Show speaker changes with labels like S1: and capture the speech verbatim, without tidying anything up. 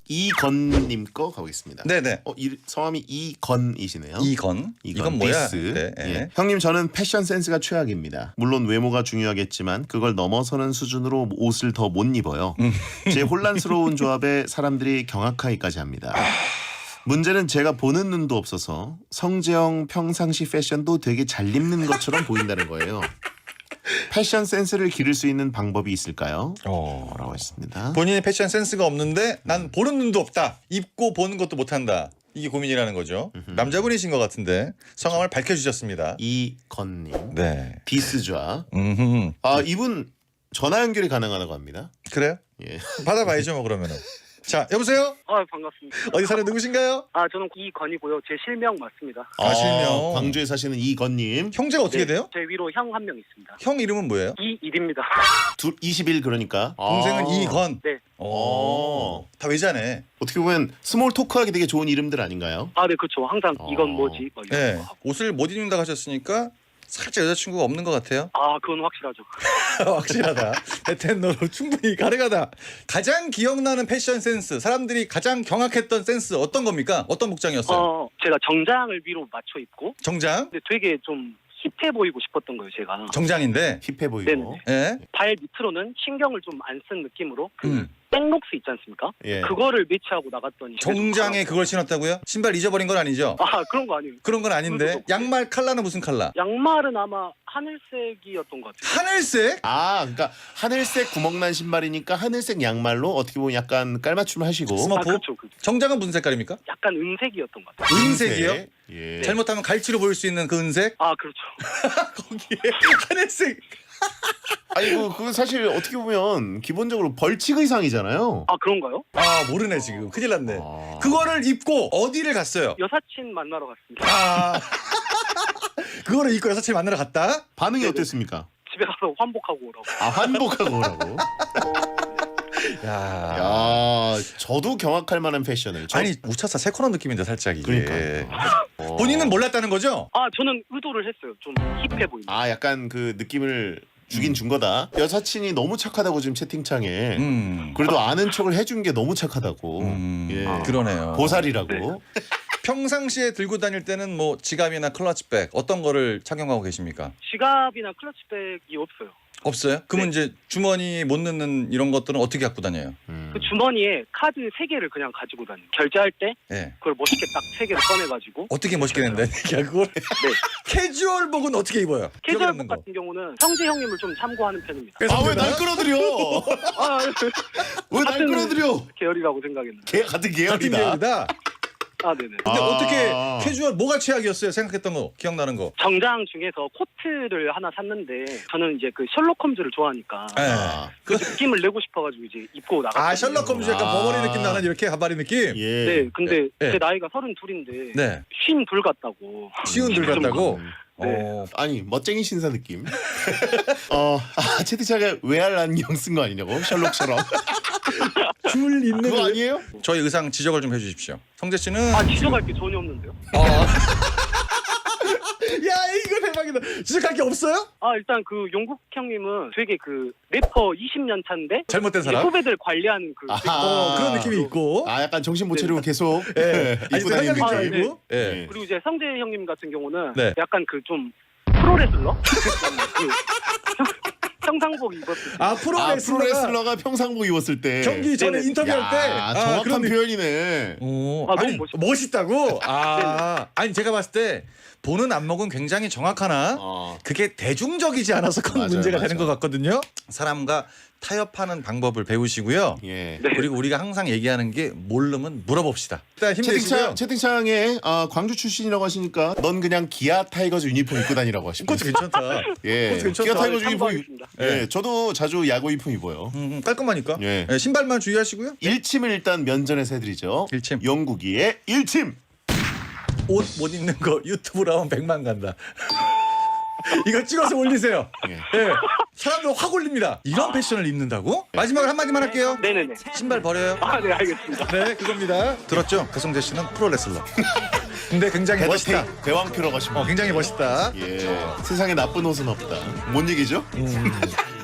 S1: 이건님 거 가보겠습니다.
S2: 네네.
S1: 어, 이, 성함이 이건이시네요.
S2: 이건. 이건, 이건 뭐야?
S1: 디스.
S2: 네, 네.
S1: 예. 형님 저는 패션 센스가 최악입니다. 물론 외모가 중요하겠지만 그걸 넘어서는 수준으로 옷을 더 못 입어요.
S2: 음.
S1: 제 혼란스러운 조합에 사람들이 경악하기까지 합니다. 문제는 제가 보는 눈도 없어서 성재형 평상시 패션도 되게 잘 입는 것처럼 보인다는 거예요. 패션 센스를 기를 수 있는 방법이 있을까요?
S2: 어.
S1: 라고 했습니다.
S2: 본인이 패션 센스가 없는데 난 보는 눈도 없다. 입고 보는 것도 못한다. 이게 고민이라는 거죠. 남자분이신 것 같은데 성함을 밝혀주셨습니다.
S1: 이건님.
S2: 네.
S1: 디스좌.
S2: 음흠.
S1: 아 이분 전화 연결이 가능하다고 합니다.
S2: 그래요?
S1: 예.
S2: 받아봐야죠 뭐 그러면은. 자 여보세요?
S3: 아 반갑습니다.
S2: 어디 사는 누구신가요?
S3: 아 저는 이건이고요. 제 실명 맞습니다.
S2: 아, 실명.
S1: 광주에 사시는 이건님.
S2: 형제가 어떻게
S3: 네,
S2: 돼요?
S3: 제 위로 형 한 명 있습니다.
S2: 형 이름은 뭐예요?
S3: 이일입니다.
S1: 둘 이십 일 그러니까.
S2: 동생은
S1: 아.
S2: 이건.
S3: 네.
S2: 오. 다 외자네.
S1: 어떻게 보면 스몰 토크하기 되게 좋은 이름들 아닌가요?
S3: 아 네 그렇죠. 항상
S1: 어.
S3: 이건 뭐지? 막 이런
S2: 네.
S3: 거 하고.
S2: 옷을 못 입는다고 하셨으니까 살짝 여자친구가 없는 것 같아요.
S3: 아 그건 확실하죠.
S2: 확실하다. 베텐너로 충분히 가능하다. 가장 기억나는 패션 센스, 사람들이 가장 경악했던 센스 어떤 겁니까? 어떤 복장이었어요?
S3: 어 제가 정장을 위로 맞춰 입고
S2: 정장?
S3: 근데 되게 좀 힙해 보이고 싶었던 거예요 제가.
S2: 정장인데.
S1: 힙해 보이고.
S3: 네네.
S2: 예?
S3: 발 밑으로는 신경을 좀 안 쓴 느낌으로 그
S2: 음.
S3: 백록스 있지 않습니까?
S1: 예.
S3: 그거를 매치하고 나갔더니
S2: 정장에 그걸 신었다고요? 신발 잊어버린 건 아니죠?
S3: 아 그런 거 아니에요.
S2: 그런 건 아닌데.
S3: 그것도
S2: 양말 컬러는 무슨 컬러?
S3: 양말은 아마 하늘색이었던 것 같아요.
S2: 하늘색?
S1: 아, 그러니까 하늘색 구멍난 신발이니까 하늘색 양말로 어떻게 보면 약간 깔맞춤을 하시고.
S2: 스머-
S3: 아
S2: 뭐?
S3: 그렇죠. 그렇죠.
S2: 정장은 무슨 색깔입니까?
S3: 약간 은색이었던 것 같아요.
S2: 은색이요?
S1: 예.
S2: 잘못하면 갈치로 보일 수 있는 그 은색?
S3: 아 그렇죠.
S2: 거기에 하늘색.
S1: 아니 그 그거 사실 어떻게 보면 기본적으로 벌칙 의상이잖아요.
S3: 아 그런가요?
S2: 아 모르네 지금. 큰일 났네.
S1: 아.
S2: 그거를 입고 어디를 갔어요?
S3: 여사친 만나러 갔습니다.
S2: 아 그거를 입고 여사친 만나러 갔다?
S1: 반응이
S3: 네네.
S1: 어땠습니까?
S3: 집에 가서 환복하고 오라고.
S1: 아 환복하고 오라고.
S2: 야,
S1: 야, 저도 경악할 만한 패션을. 저-
S2: 아니 우차사 세코너 느낌인데 살짝 이게.
S1: 그러니까. 어.
S2: 본인은 몰랐다는 거죠?
S3: 아 저는 의도를 했어요. 좀 힙해 보이는.
S1: 아 약간 그 느낌을 주긴 준 거다. 여사친이 너무 착하다고 지금 채팅창에.
S2: 음.
S1: 그래도 아는 척을 해준 게 너무 착하다고.
S2: 음.
S1: 예.
S3: 아.
S2: 그러네요.
S1: 보살이라고.
S3: 네.
S2: 평상시에 들고 다닐 때는 뭐 지갑이나 클러치백 어떤 거를 착용하고 계십니까?
S3: 지갑이나 클러치백이 없어요.
S2: 없어요? 그러면
S3: 네.
S2: 이제 주머니 못 넣는 이런 것들은 어떻게 갖고 다녀요?
S1: 음.
S3: 그 주머니에 카드 세 개를 그냥 가지고 다녀요. 결제할 때
S2: 예.
S3: 그걸 멋있게 딱 세 개를 꺼내가지고.
S2: 어떻게 멋있게 낸다? 야 그걸
S3: 네.
S2: 캐주얼복은 어떻게 입어요? 기억에 남는
S3: 캐주얼복
S2: 거.
S3: 같은 경우는 성재 형님을 좀 참고하는 편입니다.
S2: 그래서
S1: 아 왜
S2: 내가
S1: 날 끌어들여?
S3: 아
S1: 왜 날
S3: 같은
S1: 끌어들여?
S3: 계열이라고 생각했는데.
S1: 개 같은
S2: 같은
S1: 계열이다.
S2: 계열이다.
S3: 아 네네.
S2: 근데
S1: 아.
S2: 어떻게 캐주얼 뭐가 최악이었어요? 생각했던 거 기억나는 거.
S3: 정장 중에서 코트를 하나 샀는데 저는 이제 그 셜록 홈즈를 좋아하니까
S2: 예.
S1: 아,
S3: 그 느낌을 내고 싶어가지고 이제 입고 나갔어요.
S2: 아 셜록 홈즈 약간
S1: 아.
S2: 버버리 느낌 나는 이렇게 가발이 느낌.
S1: 예.
S3: 네, 근데
S2: 네.
S3: 제 나이가 서른둘인데
S2: 네.
S3: 쉰둘 같다고.
S2: 쉬운 들 같다고.
S3: 네.
S2: 어.
S1: 아니 멋쟁이 신사 느낌. 어, 아, 채팅창에 외알 안경 쓴 거 아니냐고 셜록처럼.
S2: 줄 있는
S1: 그거
S2: 거
S1: 아니에요?
S2: 저희 의상 지적을 좀 해주십시오. 성재 씨는
S3: 아 지적할 게 전혀 없는데요.
S2: 아. 야 이거 대박이다. 지적할 게 없어요?
S3: 아 일단 그 용국 형님은 되게 그 래퍼 이십 년 차인데
S2: 잘못된
S3: 이제
S2: 사람?
S3: 후배들 관리하는 그
S1: 아하.
S2: 어, 그런 느낌이 있고.
S1: 아 약간 정신 못 차리고 계속
S2: 예. 아니
S1: 입고 다니는
S3: 생각이
S1: 느낌.
S3: 네.
S2: 아니고. 예.
S1: 네.
S3: 그리고 이제 성재 형님 같은 경우는
S2: 네.
S3: 약간 그 좀 프로레슬러 그 평상복 입었을 때
S2: 아 프로
S1: 아
S2: 레슬러가
S1: 프로레슬러가 평상복 입었을 때
S2: 경기 전에
S3: 네네.
S2: 인터뷰할 때
S1: 야,
S2: 아,
S1: 정확한
S2: 그런 느낌.
S1: 표현이네.
S2: 오,
S3: 아, 너무
S2: 아니,
S3: 멋있다.
S2: 멋있다고? 아, 아니 제가 봤을 때 보는 안목은 굉장히 정확하나
S1: 어.
S2: 그게 대중적이지 않아서 큰
S1: 맞아요,
S2: 문제가
S1: 맞아요.
S2: 되는 것 같거든요. 사람과 타협하는 방법을 배우시고요.
S1: 예.
S3: 네.
S2: 그리고 우리가 항상 얘기하는 게 모르면 물어봅시다. 일단 힘내시고요.
S1: 채팅창 채팅창에 아, 광주 출신이라고 하시니까 넌 그냥 기아 타이거즈 유니폼 입고 다니라고 하시고.
S2: 그것도 괜찮다.
S1: 예.
S2: 그것도 괜찮다.
S1: 기아 타이거즈 유니폼.
S3: 참고하겠습니다.
S1: 예.
S2: 네.
S1: 저도 자주 야구 유니폼 입어요.
S2: 음, 깔끔하니까.
S1: 예.
S2: 예, 신발만 주의하시고요.
S1: 일침을 일단 면전에서 해드리죠.
S2: 일침.
S1: 영국이의 일침.
S2: 옷 못 입는 거 유튜브로 하면 백만 간다. 이거 찍어서 올리세요.
S1: 예.
S2: 예. 사람들 확 올립니다. 이런 패션을 입는다고? 마지막으로 한마디만 할게요.
S3: 네네네.
S2: 신발 버려요.
S3: 아 네 알겠습니다.
S2: 네, 그겁니다. 들었죠? 배성재 씨는 프로레슬러. 근데 굉장히 멋있다.
S1: 대왕- 대왕표라고 하십니다.
S2: 어, 굉장히 멋있다.
S1: 예. 세상에 나쁜 옷은 없다. 뭔 얘기죠?
S2: 음.